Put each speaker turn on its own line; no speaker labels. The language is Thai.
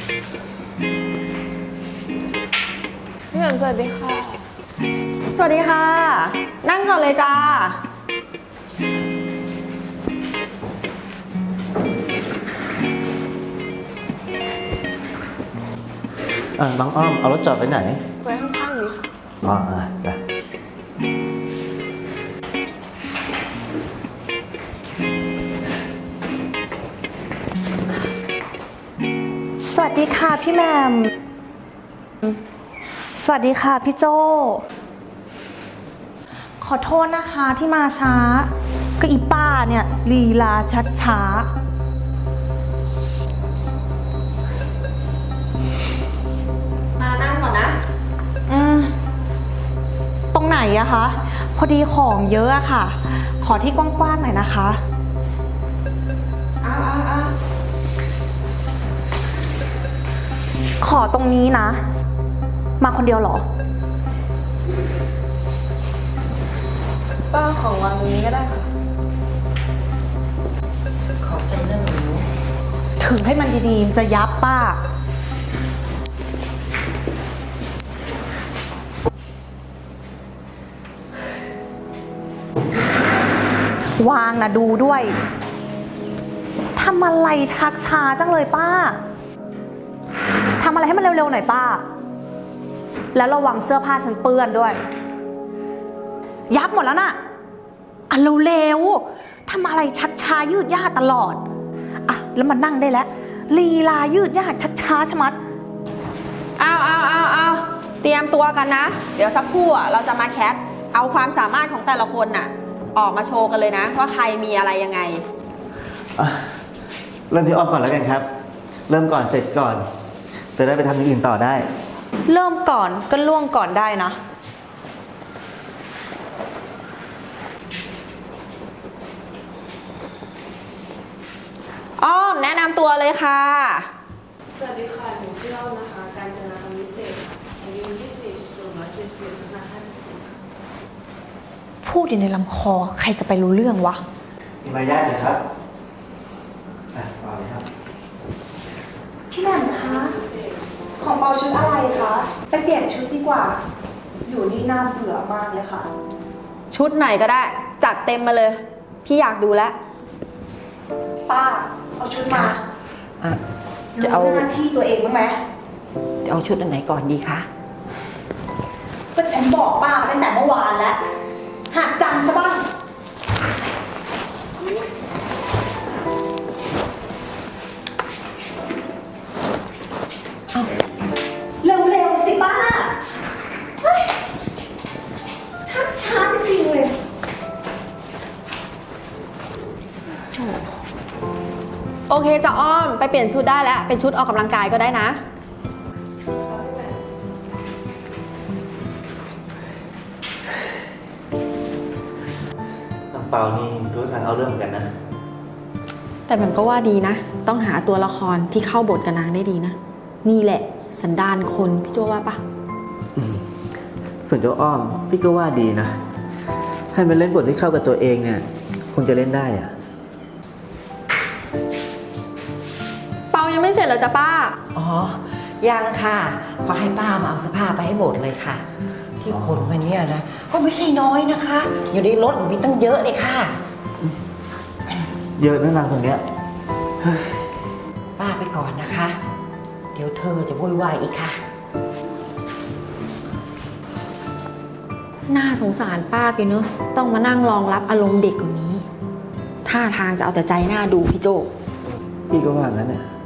พี่แหม่มสวัสดีค่ะ สวัสดีค่ะ นั่งก่อนเลยจ้า
น้องอ้อมเอารถจอดไว้ไหน
ไว้ข้างๆนี้ค่ะ
อ๋อจ้ะ
สวัสดีค่ะพี่แหม่มสวัสดีค่ะพี่โจขอโทษนะคะที่มาช้าก็อีป้าเนี่ยลีลาชัดช้า
มานั่งก่อนนะ
ตรงไหนอะคะพอดีของเยอะอะค่ะขอที่กว้างๆหน่อยนะคะขอตรงนี้นะมาคนเดียวเหรอ
ป้าของวางตรงนี้ก็ได้ค่ะ
ขอบใจนะหนู
ถือให้มันดีๆจะยับป้าวางนะดูด้วยทำอะไรชักช้าจังเลยป้าทำอะไรให้มันเร็วๆหน่อยป้าแล้วระวังเสื้อผ้าฉันเปื้อนด้วยยับหมดแล้วน่ะอ่ะเร็วๆทำอะไรชักช้ายืดยาดตลอดอ่ะแล้วมันนั่งได้แล้วลีลายืดยาดชักช้าชะมัด
เอาเตรียมตัวกันนะเดี๋ยวสักครู่เราจะมาแคสเอาความสามารถของแต่ละคนน่ะออกมาโชว์กันเลยนะว่าใครมีอะไรยังไง
เริ่มที่อ้อมก่อนแล้วกันครับเริ่มก่อนเสร็จก่อนจะได้ไปทำอย่างอื่นต่อได้
เริ่มก่อนก็ล่วงก่อนได้นะ
อ้อมแนะนำตัวเลยค่ะ
สวัสดีค่ะหนูชื่ออ้อมนะคะการจนาคำวิเศษอายุ20สูง170นะคะ
พูดอยู่ในลำคอใครจะไปรู้เรื่องวะ
มีมารยาทเลยครับเอาเลยครับ
พี่แหม่มคะของเปาชุดอะไรคะไปเปลี่ยนชุดดีกว่าอยู่นี่น่าเบื่อมากเลยค่ะ
ชุดไหนก็ได้จัดเต็มมาเลยพี่อยากดูแล้ว
ป้าเอาชุดมา
จะเอา
หน้าที่ตัวเองบ้างไหม
จะเอาชุดอันไหนก่อนดีคะ
ก็ฉันบอกป้าตั้งแต่เมื่อวานแล้วหากจำซะบ้างเร็วๆสิป้าช้าจริงๆเลย
โอเคจะอ้อมไปเปลี่ยนชุดได้แล้วเป็นชุดออกกำลังกายก็ได้นะ
น้องเปานี่รู้ทางเอาเรื่องเหมือนกันนะ
แต่แบบก็ว่าดีนะต้องหาตัวละครที่เข้าบทกับนางได้ดีนะนี่แหละสันดานคนพี่โจว่าปะ
ส่วนเจ้าอ้อมพี่ก็ว่าดีนะให้มันเล่นบทที่เข้ากับตัวเองเนี่ยคงจะเล่นได้อะ
เปายังไม่เสร็จเหรอจ๊ะป้า
อ๋อยังค่ะขอให้ป้ามาเอาเสื้อผ้าไปให้หมดเลยค่ะที่ขนมาเนี่ยนะก็ไม่ใช่น้อยนะคะอยู่ในรถมีตั้งเยอะเลยค่ะ
เยอะนะนางคนเนี้ย
ป้าไปก่อนนะคะเดี๋ยวเธอจะวุ่นวายอีกค่ะ
น่าสงสารป้าแกเนอะต้องมานั่งรองรับอารมณ์เด็กกว่านี้ท่าทางจะเอาแต่ใจหน้าดูพี่โจ
พี่ก็ว่างั้นน่ะ